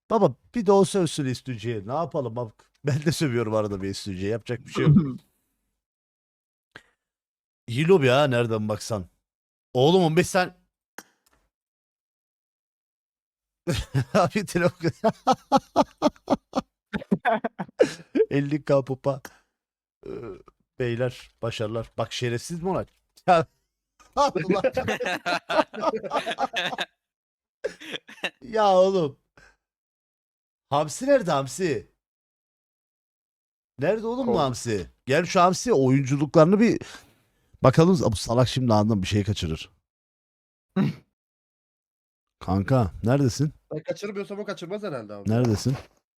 Baba bir de o sövsün istücüye. Ne yapalım bak. Ben de sövüyorum arada bir istücüye. Yapacak bir şey yok. İyi lobi ha nereden baksan. Oğlum 15 sen... Abi telefon... 50k popa. Ee, Beyler başarılar. Bak şerefsiz mi olan? Ya Allah. Ya oğlum. Hamsi nerede Hamsi? Nerede oğlum bu Kol. Hamsi? Gel şu Hamsi oyunculuklarını bir bakalım. Bu salak şimdi anında bir şey kaçırır. Kanka neredesin? Ben kaçırmıyorsam o kaçırmaz herhalde abi. Neredesin?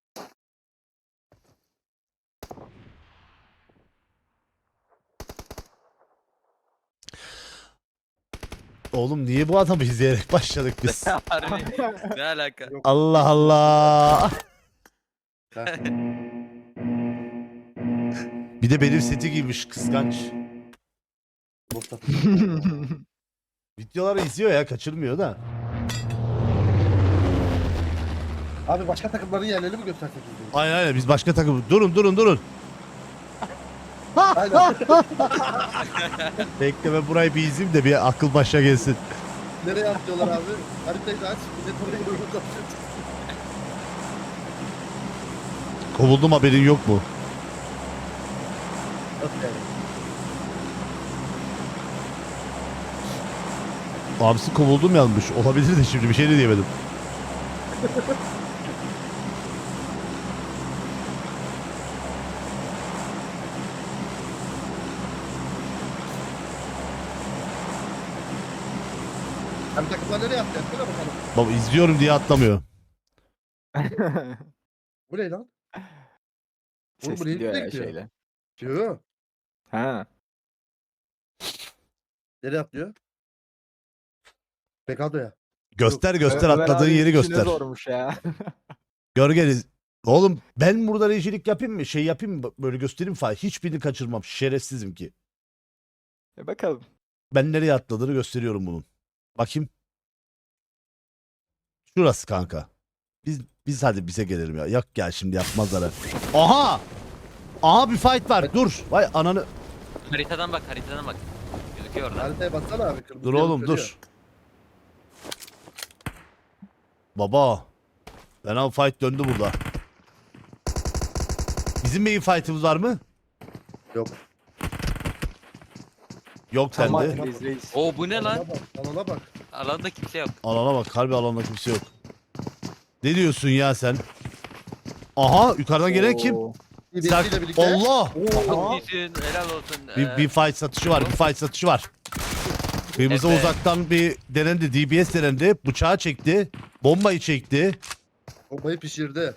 Oğlum niye bu adamı izleyerek başladık biz? Harbi. Ne alaka? Allah Allah. Heh. Bir de benim seti giymiş kıskanç. Mustafa. Videoları izliyor ya kaçırmıyor da. Abi başka takımların yerlerini mi göstersek? Aynen aynen biz başka takım. Durun. Aynen. Bekle ben burayı bir izleyeyim de bir akıl başa gelsin. Nereye atlıyorlar abi? Haritayı da aç. Millet oraya doğru koşuyor. Kovuldum haberin yok mu? Nasıl yani? Abisi kovuldum yanmış. Olabilir de şimdi bir şey de diyemedim. Abi takımlar nereye atlıyor? Söyle bakalım. Baba izliyorum diye atlamıyor. Bu ne lan? Oğlum Ses bu neyin gidiyor üstüne ya gidiyor? şeyle. Diyor. Ha. Nereye atlıyor? Pekado'ya. Göster Ömer atladığın abi yeri işine göster. zormuş ya. Gölgeniz. Oğlum ben burada rejilik yapayım mı? Şey yapayım mı? Böyle göstereyim falan. Hiçbirini kaçırmam. Şerefsizim ki. Bakalım. Ben nereye atladığını gösteriyorum bunun. Bakayım. Şurası kanka. Biz hadi bize gelelim ya. Yok gel şimdi yapmazlar. Ha. Aha! Aha bir fight var. Dur. Vay ananı. Haritadan bak. Gözüküyor orada. Haritaya baksana abi. Kırmızı Dur yanıp oğlum sönüyor. dur. Baba. Fena fight döndü burada. Bizim main fight'ımız var mı? Yok. Yok Tamam sende. biz reis. Oo bu ne lan? Alana bak. Alana bak. Alanda kimse yok. Alana bak. Harbi alanda kimse yok. Ne diyorsun ya sen? Aha yukarıdan gelen kim? Oo. İbisiyle birlikte. Allah! Çok iyisin. Helal olsun. Bir fight satışı var. Bir fight satışı var. Kırmızı Efe. uzaktan bir denendi. DBS denendi. Bıçağı çekti. Bombayı çekti. Bombayı pişirdi.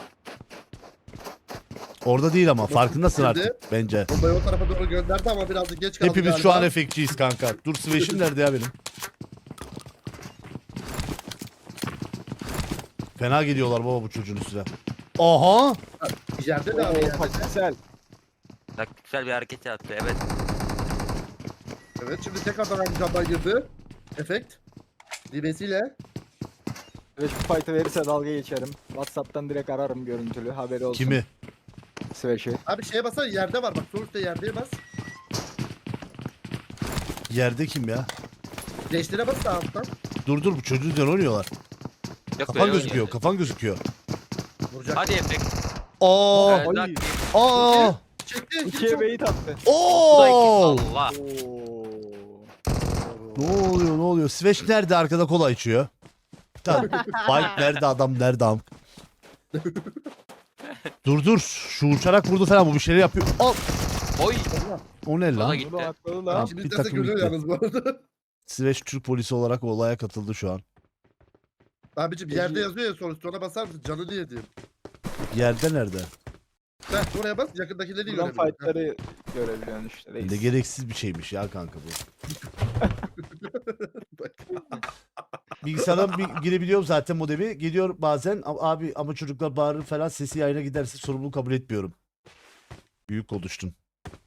Orada değil ama farkındasın Nerede? artık bence. Bombayı o tarafa doğru gönderdi ama birazcık geç kaldı Hepimiz galiba. şu an efektçiyiz kanka. Dur Sveş'im nerede ya benim? Fena geliyorlar baba bu çocuğun üstüne. Aha! Yerde de abi yerde. Taktiksel. Taktiksel bir hareket yaptı. Evet. Evet şimdi tekrardan aynı camdan girdi. Efekt. DB'siyle. Ve şu fight'ı verirse dalga geçerim. WhatsApp'tan direkt ararım görüntülü. Haberi olsun. Kimi? Sveş'i. Abi şeye basar yerde var bak. Sonuçta yerdeye bas. Yerde kim ya? Gençlere bas da alttan. Dur bu çocuğun üzerine oynuyorlar. Yok Kafan böyle gözüküyor. oynuyor. Kafan gözüküyor. Vuracak. Hadi Efek. Aa! Evet, Ay. bak. Aa! Çekti. İkiye beyit attı. Bu da iki. Oo! Allah. Oo. Ne oluyor? Sveş nerede? Arkada kola içiyor. Tamam. Bike nerede? Adam nerede? Dur. Şu uçarak vurdu falan. Bu bir şeyler yapıyor. Al. Oy. O ne Bana lan? gitti. Bunu atladı Tamam. lan. Şimdi Bir derse takım görüyor gitti. yalnız bu arada. Sveş Türk polisi olarak olaya katıldı şu an. Abicim yerde yazıyor ya sonuçta ona basar mısın? Canı diye diyeyim. Yerde nerede? Heh, oraya bas yakındakileri Buradan görebiliyor. fight'ları görebiliyorsun işte reis. Ne gereksiz bir şeymiş ya kanka bu. Bilgisayardan girebiliyorum zaten modemi. Geliyor bazen abi ama çocuklar bağırır falan sesi yayına giderse sorumluluğu kabul etmiyorum. Büyük konuştun.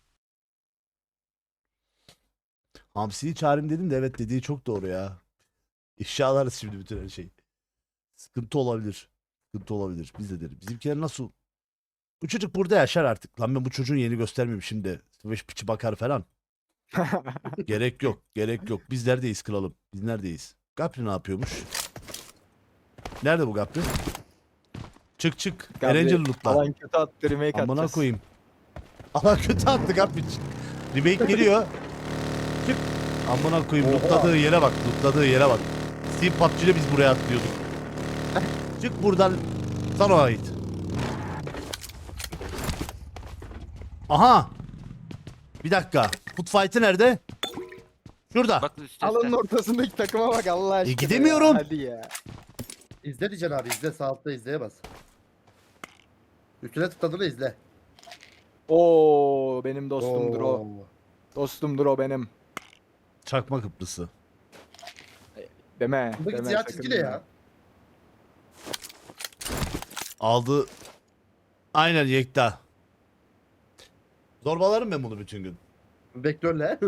Hamsi'yi çağırayım dedim de evet dediği çok doğru ya. İfşa alarız şimdi bütün her şeyi. Sıkıntı olabilir. sıkıntı olabilir. Biz de deriz. Bizimkiler nasıl? Bu çocuk burada yaşar artık. Lan ben bu çocuğun yeni göstermeyeyim şimdi. Beş piçi bakar falan. Gerek yok. Gerek yok. Biz neredeyiz kralım? Biz neredeyiz? Gapri ne yapıyormuş? Nerede bu Gapri? Çık çık. Gapri, Erencil lootla. Alan kötü attı remake Amına atacağız. koyayım. Ama kötü attık Gapri. Remake geliyor. Çık. Amına koyayım. Lootladığı yere bak. Lootladığı yere bak. Steam PUBG'de biz buraya atlıyorduk. Çık buradan. Sana ait. Aha. Bir dakika. Foot fight'ı nerede? Şurada. Bak üstte. Alanın ortasındaki takıma bak Allah aşkına. gidemiyorum. Ya, hadi ya. İzle diyeceksin abi izle sağ altta izleye bas. Üstüne tıkladığını izle. Oo benim dostumdur o. Oo. Dostumdur o benim. Çakma Kıbrıs'ı. Deme. Buradaki deme, siyah sakın çizgi ne deme. ya? Aldı. Aynen Yekta. Zorbalarım ben bunu bütün gün. Vektörle.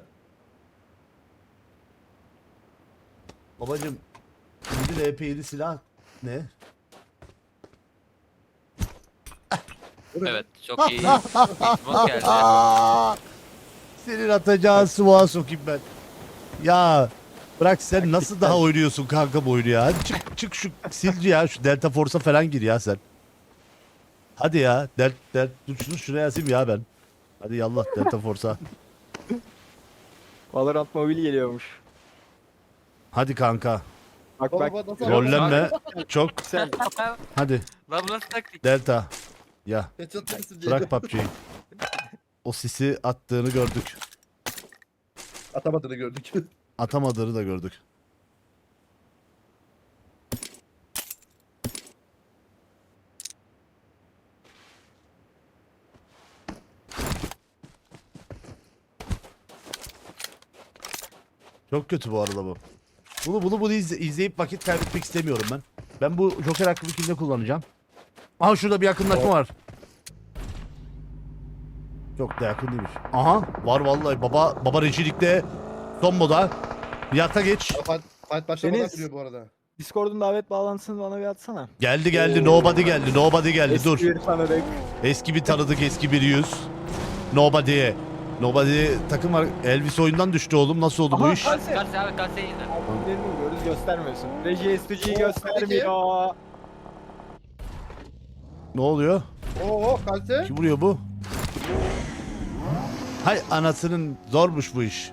Babacım. Şimdi EP7 silah ne? Evet çok iyi. Xbox geldi. Senin atacağın sıvağa sokayım ben. Ya bırak sen nasıl daha oynuyorsun kanka bu oyunu ya. Hadi çık şu silci ya. Şu Delta Force'a falan gir ya sen. Hadi ya. Dur şunu şuraya yazayım ya ben. Hadi yallah Delta Force'a. Valorant mobil geliyormuş. Hadi kanka. Bak bak. Baba nasıl Rollenme. Çok. Sen Hadi. Lan bu nasıl taktik? Delta. Ya. Headshot verirsin diye. Bırak PUBG'yi. O sisi attığını gördük. Atamadığını gördük. Atamadığını da gördük. Çok kötü bu arada bu. Bunu izleyip vakit kaybetmek istemiyorum ben. Ben bu Joker hakkını kimde kullanacağım? Aha şurada bir yakınlaşma var. Çok da yakın değilmiş. Aha var vallahi baba rejilikte son moda. Yata geç. Fight başlamadan Deniz. duruyor bu arada. Discord'un davet bağlantısını bana bir atsana. Geldi nobody geldi dur. Eski bir tanıdık. Eski bir tanıdık eski bir yüz. Nobody takım var. Elvis oyundan düştü oğlum. Nasıl oldu bu Aha, iş? Kalse. Karşı abi karşı yine. Albümlerini vuruyoruz göstermiyorsun. Reji STG'yi Oo, göstermiyor. Ne oluyor? Oo kalse. Kim vuruyor bu? Hay anasının zormuş bu iş.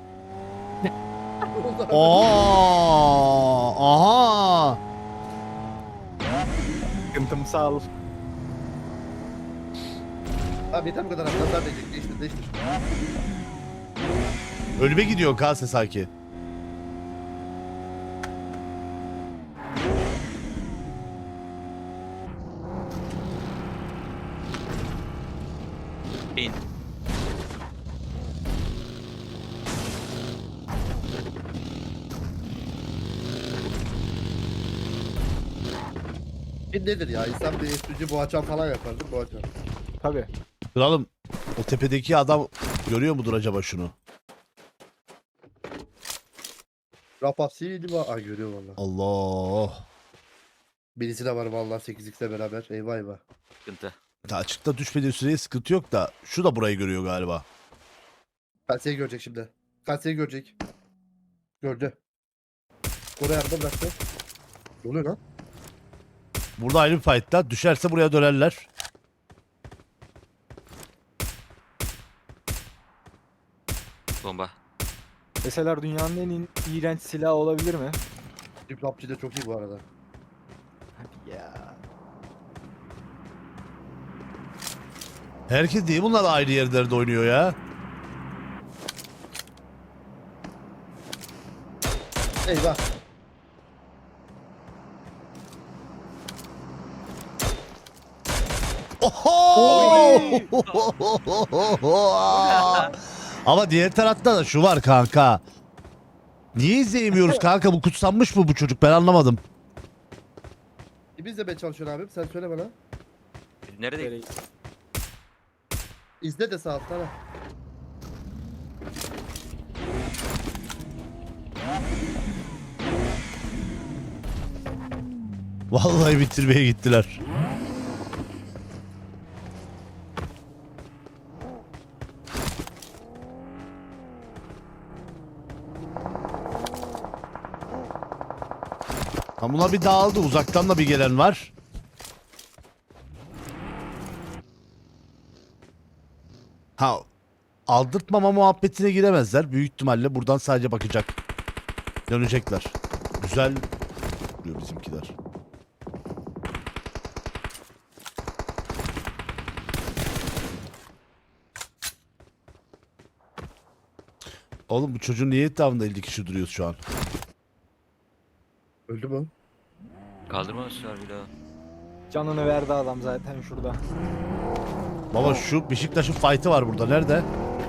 Aha. Sıkıntımsal. Abi yeter bu kadar abi. Nazar değecek. Değiştir. Ölüme gidiyor Kase sanki. Bin. Bir nedir ya? İnsan bir üstücü boğaçan falan yapar değil mi? Boğaçan. Tabii. Kralım o tepedeki adam görüyor mudur acaba şunu? Rapasiydi var. Ay görüyor valla. Allah. Birisi de var valla 8x'le beraber. Eyvah eyvah. Sıkıntı. Ta açıkta düşmediği süreye sıkıntı yok da şu da burayı görüyor galiba. Kalseyi görecek şimdi. Kalseyi görecek. Gördü. Oraya arada bıraktı. Ne oluyor lan? Burada ayrı bir fight'ta düşerse buraya dönerler. Bomba. Deseler dünyanın en iğrenç silahı olabilir mi? Diplopçı da çok iyi bu arada. Hadi ya. Herkes değil bunlar ayrı yerlerde oynuyor ya. Eyvah. Oho! Ama diğer tarafta da şu var kanka. Niye izleyemiyoruz kanka? Bu kutsanmış mı bu çocuk? Ben anlamadım. Biz izlemeye çalışıyorsun abim. Sen söyle bana. Nerede? Böyle- İzle de sağ alttan. ha. Vallahi bitirmeye gittiler. Ha, buna bir dağıldı. Uzaktan da bir gelen var. Ha, aldırtmama muhabbetine giremezler. Büyük ihtimalle buradan sadece bakacak. Dönecekler. Güzel diyor bizimkiler. Oğlum bu çocuğun niye etrafında 50 kişi duruyoruz şu an? Öldü mü? Kaldırmamışlar bir daha. Canını verdi adam zaten şurada. Baba şu Beşiktaş'ın fight'ı var burada. Nerede?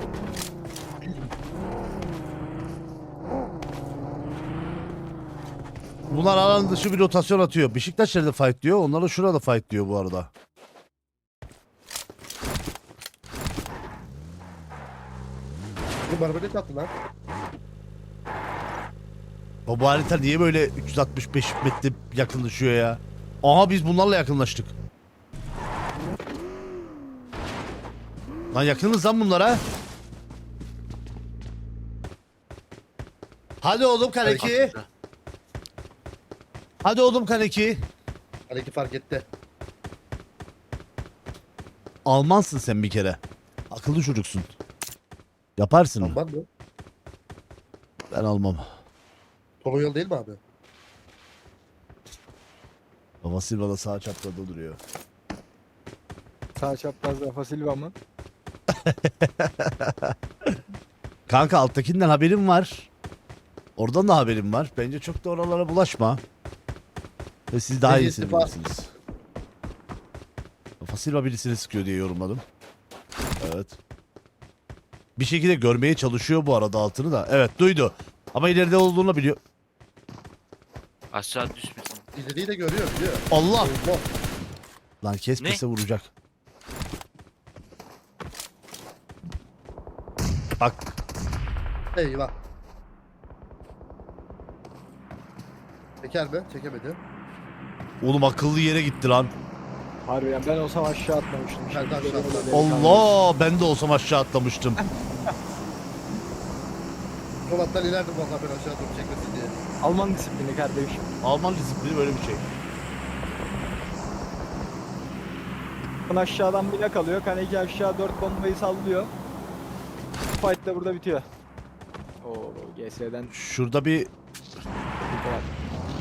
Bunlar alan dışı bir rotasyon atıyor. Beşiktaş nerede fight diyor. Onlar da şurada fight diyor bu arada. Bu barbaret attı lan. Bu harita niye böyle 365 metre yakınlaşıyor ya? Aha biz bunlarla yakınlaştık. Lan yakınız lan bunlara. Hadi oğlum Kaneki. Hadi oğlum Kaneki. Hareket fark etti. Almansın sen bir kere. Akıllı çocuksun. Yaparsın. Tamam mı? Ben almam. Toroyol değil mi abi? Baba Silva da sağ çaprazda duruyor. Sağ çapraz Rafa Silva mı? Kanka alttakinden haberim var. Oradan da haberim var. Bence çok da oralara bulaşma. Ve siz daha Bence iyisini istifa. bilirsiniz. Rafa Silva birisini sıkıyor diye yorumladım. Evet. Bir şekilde görmeye çalışıyor bu arada altını da. Evet duydu. Ama ileride olduğunu biliyor. Aşağı düşmesin. İleriyi de görüyor biliyor. Allah! Allah. Lan kesmese vuracak. Bak. Eyvah. Çeker mi? Çekemedi. Oğlum akıllı yere gitti lan. Harbiden ben olsam aşağı atmamıştım. Ben de aşağı atladım. Allah! Ben de olsam aşağı atlamıştım. Polat'tan ilerdim valla ben aşağı doğru çekmesin diye. Alman disiplini kardeşim. Alman disiplini böyle bir şey. Bakın aşağıdan bile kalıyor. Kaneki aşağı 4 bombayı sallıyor. Fight da burada bitiyor. Oo GS'den Şurada bir bir var.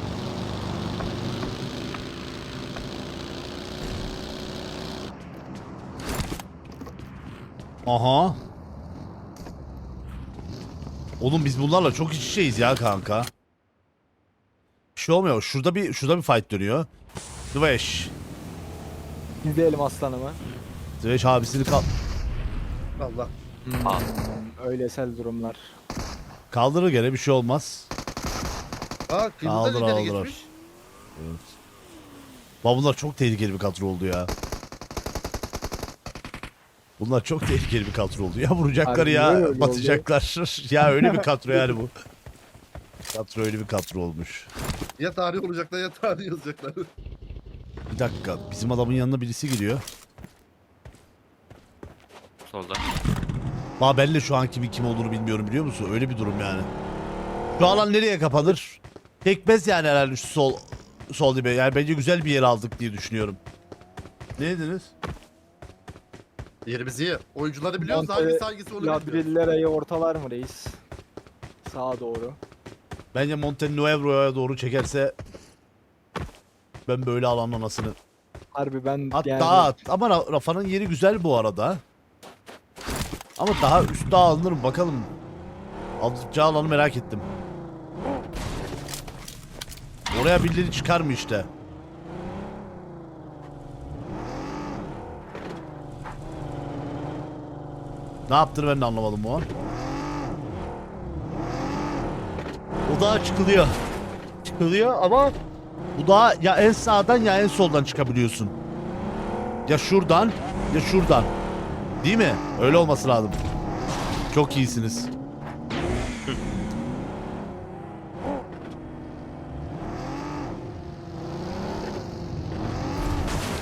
aha. Oğlum biz bunlarla çok iç içeyiz ya kanka. Bir şey olmuyor. Şurada bir fight dönüyor. Dveş. İzleyelim aslanımı. Dveş abisini Allah. Aa. Öylesel durumlar. kaldırır gene bir şey olmaz. Aa kıyımdan Aldır, ileri aldır. geçmiş. Evet. Bunlar çok tehlikeli bir kadro oldu ya. Bunlar çok tehlikeli bir kadro oldu. Ya vuracaklar Harbi ya öyle oldu. batacaklar. Ya öyle bir kadro yani bu. Kadro öyle bir kadro olmuş. Ya tarih olacaklar ya tarih yazacaklar. Bir dakika bizim adamın yanına birisi giriyor. Solda. Ben de şu an kimin kim olduğunu bilmiyorum biliyor musun? Öyle bir durum yani. Şu alan nereye kapanır? Pekmez yani herhalde şu sol dibe. Yani bence güzel bir yer aldık diye düşünüyorum. Ne dediniz? Yerimiz iyi. Oyuncuları biliyoruz. Monte- Hangisi hangisi onu bilmiyoruz. Ladrillere'yi ortalar mı reis? Sağa doğru. Bence Montenuevro'ya doğru çekerse ben böyle alanın anasını. Harbi ben Hatta yani ama Rafa'nın yeri güzel bu arada. Ama daha üstte alınır mı bakalım. Alacağı alanı merak ettim. Oraya birileri çıkar mı işte? Ne yaptığını ben de anlamadım o an. O dağa çıkılıyor. Çıkılıyor ama bu dağa ya en sağdan ya en soldan çıkabiliyorsun. Ya şuradan ya şuradan. Değil mi? Öyle olması lazım. Çok iyisiniz.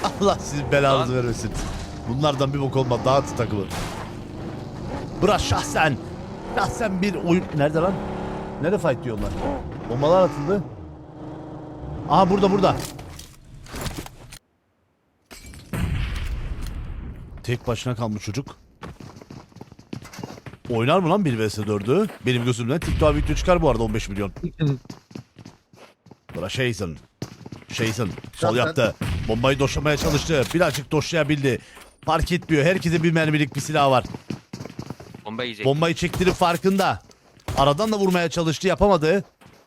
Allah sizin belanızı vermesin. Bunlardan bir bok olmaz. Dağıtın takımı. Bırak şahsen. Şahsen bir oyun... Nerede lan? Nerede fight diyorlar? Bombalar atıldı. Aha burada. Tek başına kalmış çocuk. Oynar mı lan 1 vs 4'ü? Benim gözümden TikTok video çıkar bu arada 15 milyon. Bura Jason. Sol Zaten- yaptı. Bombayı doşlamaya çalıştı. Birazcık doşlayabildi. Fark etmiyor. Herkese bir mermilik bir silah var. Bomba yiyecek. Bombayı çektirip farkında. Aradan da vurmaya çalıştı. Yapamadı.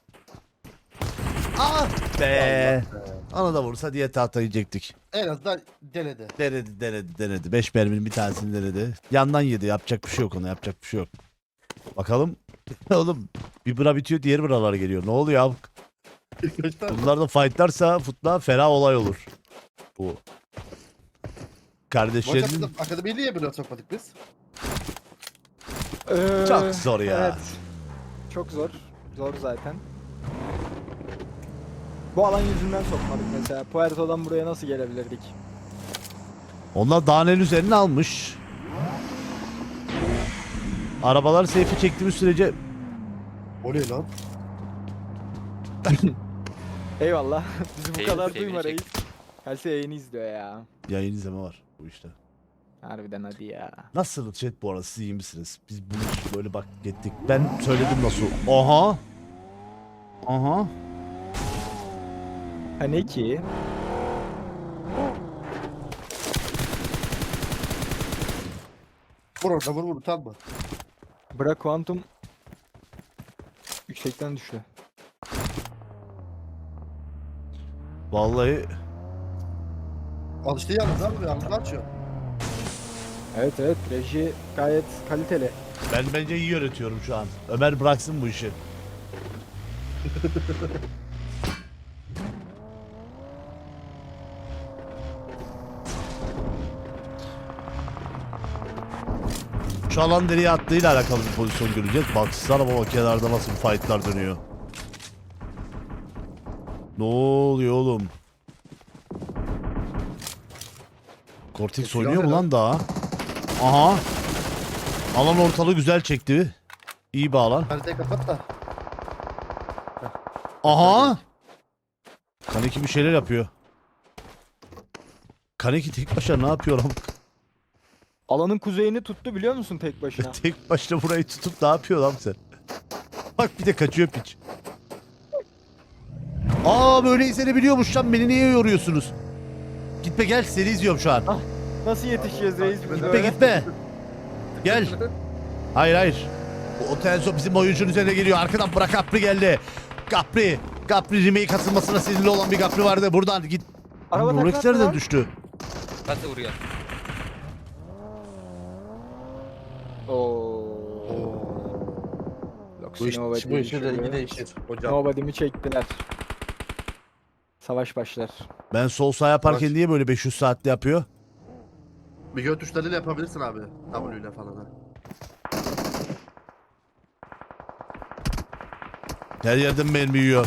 Ah be. Ana da vursa diye tahta yiyecektik. En azından denedi. Denedi. 5 merminin bir tanesini denedi. Yandan yedi. Yapacak bir şey yok ona. Yapacak bir şey yok. Bakalım. Oğlum bir bura bitiyor diğer buralar geliyor. Ne oluyor abi? Kaç tane? Bunlar da fightlarsa futla fena olay olur. Bu. Maç Kardeşlerinin akademiyi niye böyle sokmadık biz? çok zor ya. Evet. Çok zor. Zor zaten. Bu alan yüzünden sokmadık mesela. Puerto'dan buraya nasıl gelebilirdik? Onlar dağın en üzerine almış. Arabalar seyfi çektiğimiz sürece O ne lan? Eyvallah. Bizi bu Eyvah, kadar sevgili duyma çek. reis. Kalse yayını izliyor ya. yayın izleme var bu işte. Harbiden hadi ya. Nasıl chat bu arada siz iyi misiniz? Biz bunu hiç böyle bak gittik. Ben söyledim nasıl. Aha. Hani ki? Vur orada vur utanma. Bırak Quantum yüksekten düştü. Vallahi Alıştı yalnız abi yalnız açıyor. Evet reji gayet kaliteli. ben bence iyi yönetiyorum şu an. Ömer bıraksın bu işi. Şu alan nereye attığıyla alakalı bir pozisyon göreceğiz. Baksana baba kenarda nasıl fightlar dönüyor. Ne oluyor oğlum? Cortex Silah oynuyor mu ne lan daha? Aha. Alan ortalığı güzel çekti. İyi bir alan. Haritayı kapat da. Aha. Kaneki bir şeyler yapıyor. Kaneki tek başına ne yapıyor lan? Alanın kuzeyini tuttu biliyor musun tek başına? Tek başına burayı tutup ne yapıyor lan sen? Bak bir de kaçıyor piç. Aa böyle izlenebiliyormuş lan, beni niye yoruyorsunuz? Gitme gel, seni izliyorum şu an. Nasıl yetişeceğiz reis biz Gitme böyle? gitme. Gel. Hayır. Bu Otenso bizim oyuncunun üzerine geliyor. Arkadan bırak, Capri geldi. Capri remake katılmasına sinirli olan bir Capri vardı. Buradan git. Araba Rolex taklattı nereden lan. düştü? Nasıl vuruyor? Bu iş de iyi değişir hocam. Nobody'mi çektiler. Savaş başlar. Ben sol sağ yaparken Bak. niye böyle 500 saatte yapıyor? Bir göğü tuşlarıyla yapabilirsin abi. W ile falan ha. Her yerden mermi yiyor.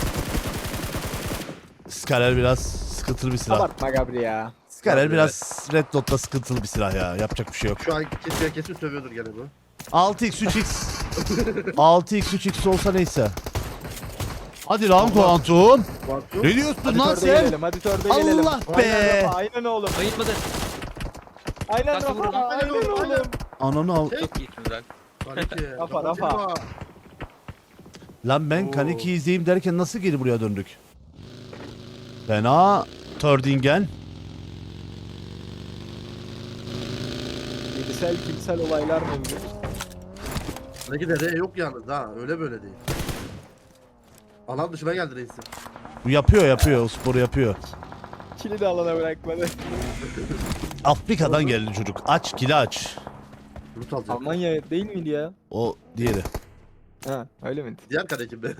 Skaler biraz sıkıntılı bir silah. Abartma Gabri ya. Skaler Tabii, biraz Red Dot'ta sıkıntılı bir silah ya. Yapacak bir şey yok. Şu an kesin sövüyordur gene bu. 6x 3x 6x 3x olsa neyse. Hadi lan Kuantum. Bakıyor. Ne diyorsun Hadi lan törde sen? gelelim, hadi törde gelelim. Allah be! Aynen Rafa, aynen oğlum. Bayılmadı. Aynen Nasıl Rafa, vurun? aynen oğlum. Ananı al. Çok iyisin lan. Kaneki. Rafa, Rafa. kapatıyor. Lan ben Oo. Kaneki izleyeyim derken nasıl geri buraya döndük? Fena. Tördingen. Yedisel kimsel olaylar mevcut. Kaneki de R yok yalnız ha. Öyle böyle değil. Alan dışına geldi reisim. Bu yapıyor o sporu yapıyor. Kili de alana bırakmadı. Afrika'dan geldi çocuk. Aç kili aç. Loot alacak. Almanya değil miydi ya? O diğeri. Ha öyle miydi? Diğer kanekimde.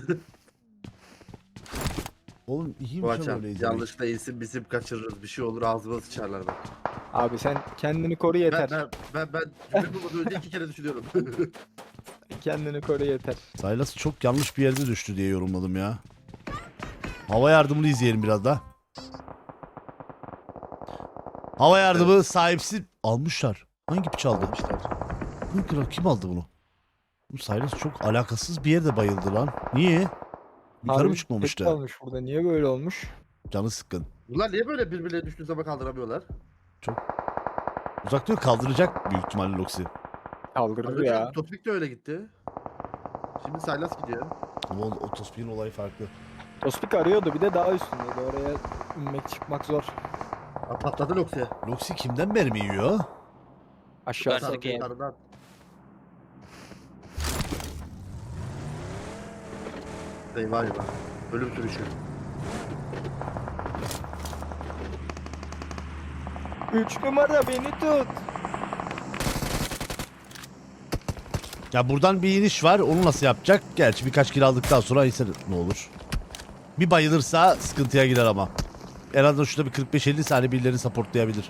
Oğlum Bu iyiymiş lan açan. öyle izlemek. Yanlışlıkla isim bizim kaçırırız. Bir şey olur ağzıma sıçarlar bak. Abi sen kendini koru yeter. Ben cümle bulmadan önce 2 kere düşünüyorum. Kendini koru yeter. Silas çok yanlış bir yerde düştü diye yorumladım ya. Hava yardımını izleyelim biraz da. Hava yardımı sahipsiz almışlar. Hangi piç aldı? Almışlar. Kim aldı bunu? Bu Silas çok alakasız bir yerde bayıldı lan. Niye? Yukarı mı Harbi çıkmamıştı? tek kalmış burada. Niye böyle olmuş? Canı sıkkın. Bunlar niye böyle birbirlerine düştüğü zaman kaldıramıyorlar? Uzak diyor kaldıracak büyük ihtimalle Loxi. Kaldırır ya. Topik de öyle gitti. Şimdi Silas gidiyor. Ama o Tospik'in olayı farklı. Tospik arıyordu bir de daha üstündeydi. Oraya inmek çıkmak zor. Ha, patladı Loxi. Loxi kimden mermi yiyor? Aşağı Yukarıdaki- sarkıyor. Sarıdan. Eyvah eyvah. Ölüm sürüşü. 3 numara beni tut. Ya buradan bir iniş var. Onu nasıl yapacak? Gerçi birkaç kill aldıktan sonra ise ne olur. Bir bayılırsa sıkıntıya girer ama. En azından şurada bir 45-50 saniye birilerini supportlayabilir.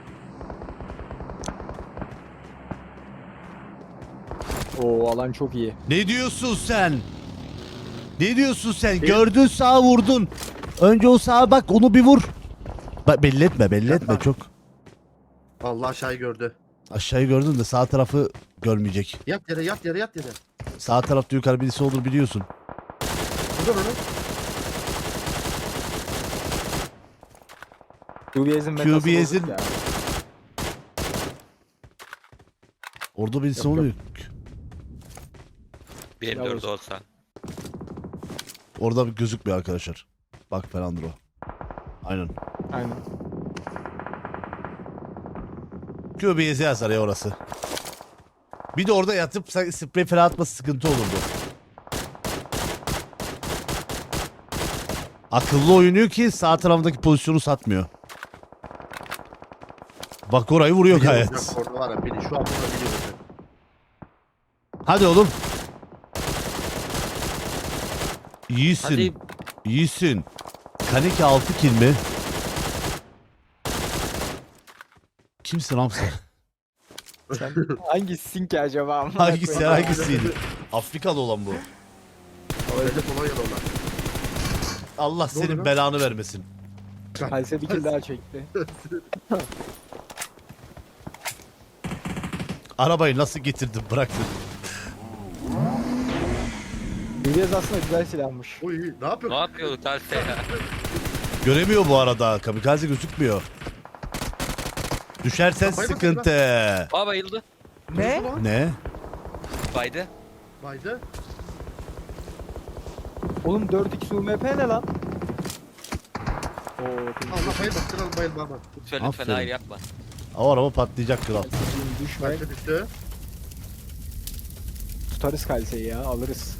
Oo alan çok iyi. Ne diyorsun sen? Ne diyorsun sen? Gördün sağa vurdun. Önce o sağa bak onu bir vur. Bak belli etme belli etme çok. Allah aşağıyı gördü. Aşağıyı gördün de sağ tarafı görmeyecek. Yat yere yat yere yat yere. Sağ tarafta yukarı birisi olur biliyorsun. Buradan onu. QBS'in metası QBS'in bozuk ya. Orada birisi Yok, yok. oluyor. Bir Yavuz. 4 olsa. Orada bir gözükmüyor arkadaşlar. Bak falandır o. Aynen. Aynen. QBS'e yazar ya orası. Bir de orada yatıp sprey falan atması sıkıntı olurdu. Akıllı oynuyor ki sağ tarafındaki pozisyonu satmıyor. Bak orayı vuruyor Biliyor gayet. olacak, orada var ya beni şu an burada biliyor olacak. Hadi oğlum. İyisin. Hadi. İyisin. Kaneki 6 kill mi? Kimsin lan sen? Sen hangisisin ki acaba? Amına Hangisi koyayım. hangisiydi? Afrikalı olan bu. Öyle Polonyalı olan. Allah Ne oluyor senin lan? belanı vermesin. Halse bir kill daha çekti. Arabayı nasıl getirdin bıraktın? QBS aslında güzel silahmış. Oy ne yapıyor? Ne yapıyorduk Talse ya? Göremiyor bu arada. Kamikaze gözükmüyor. Düşersen Kafayı mı sıkıntı. Aa bayıldı. Ne? Ne? Baydı. Baydı. Oğlum 4x UMP ne lan? Oo, Allah bayılma. Kral bayılma ama. Lütfen lütfen Aferin. hayır yapma. O araba patlayacak kral. düşme. Baydı düştü. Tutarız Kalse'yi ya alırız.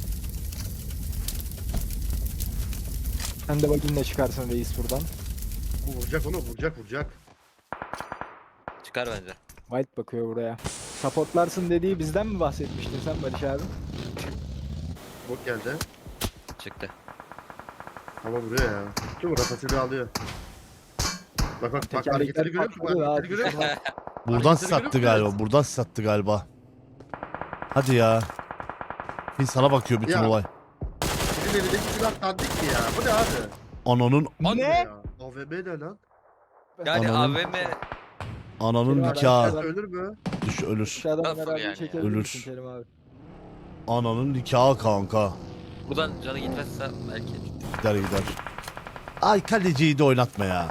Sen de bakayım ne çıkarsın reis buradan. Bu vuracak onu vuracak vuracak. Çıkar bence. White bakıyor buraya. Supportlarsın dediği bizden mi bahsetmiştin sen Barış abi? Bot geldi. Çıktı. Ama vuruyor ya. Kim bu rafasını alıyor. Bak bak bak Tekerlekler hareketleri görüyor musun? patladı, Hareketleri görüyor musun? Buradan Hareketleri sattı görüyor musun? galiba. Buradan sattı galiba. Hadi ya. Bir sana bakıyor bütün Ya. olay. Sizin elindeki silah dandik mi ya? Bu ne abi? Ananın Bu Ne? ya? AVM ne lan? Yani Ananın- AVM ananın Kerim abi, nikahı. aşağıdan- Ölür mü? Düş ölür. Aşağıdan Nasıl beraber yani? çekebilir Ölür. misin Kerim abi? Ananın nikahı kanka. buradan canı gitmezse belki. Gider gider. Ay kaleciyi de oynatma ya.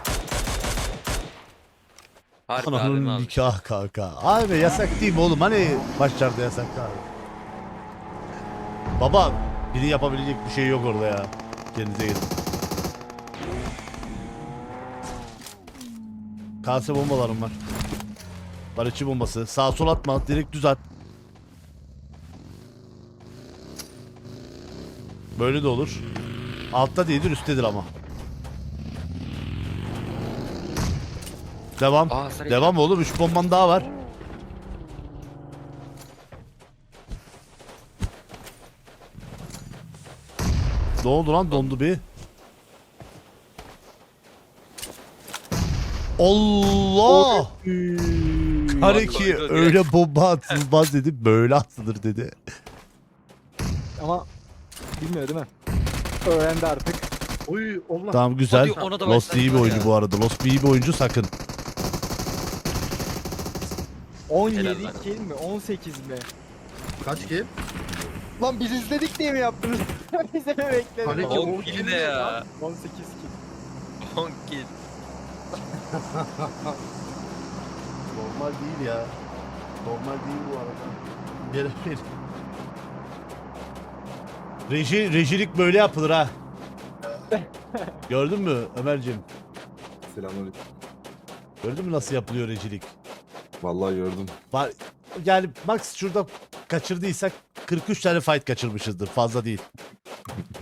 Harbi AVM Ananın almış. nikahı kanka. Abi yasak değil mi oğlum? Hani başlarda yasak abi. Baba biri yapabilecek bir şey yok orada ya. Kendinize gelin. Kase bombalarım var. Barışçı bombası. Sağ sol atma. Direkt düz at. Böyle de olur. Altta değildir üsttedir ama. Devam. Aa, sarı Devam oğlum. 3 bomban daha var. Ne oldu lan? Dondu bir. Allah! Kareki Dondu, öyle bomba atılmaz dedi. Böyle atılır dedi. Ama bilmiyor değil mi? Öğrendi artık. Oy Allah. Tamam güzel. Hadi ona da Lost iyi bir başladılar oyuncu ya. bu arada. Lost iyi bir oyuncu sakın. 17 lan. kill mi? 18 mi? Kaç ki? Lan biz izledik diye mi yaptınız? Bize mi beklediniz? Hani ki 10 kill ne ya? 18 kill. 10 kill. Normal değil ya. Normal değil bu arada. Gelebilir. Rejilik böyle yapılır ha. Gördün mü Ömerciğim? Selamünaleyküm. Gördün mü nasıl yapılıyor rejilik? Vallahi gördüm. Var, yani max şurada kaçırdıysak 43 tane fight kaçırmışızdır. Fazla değil.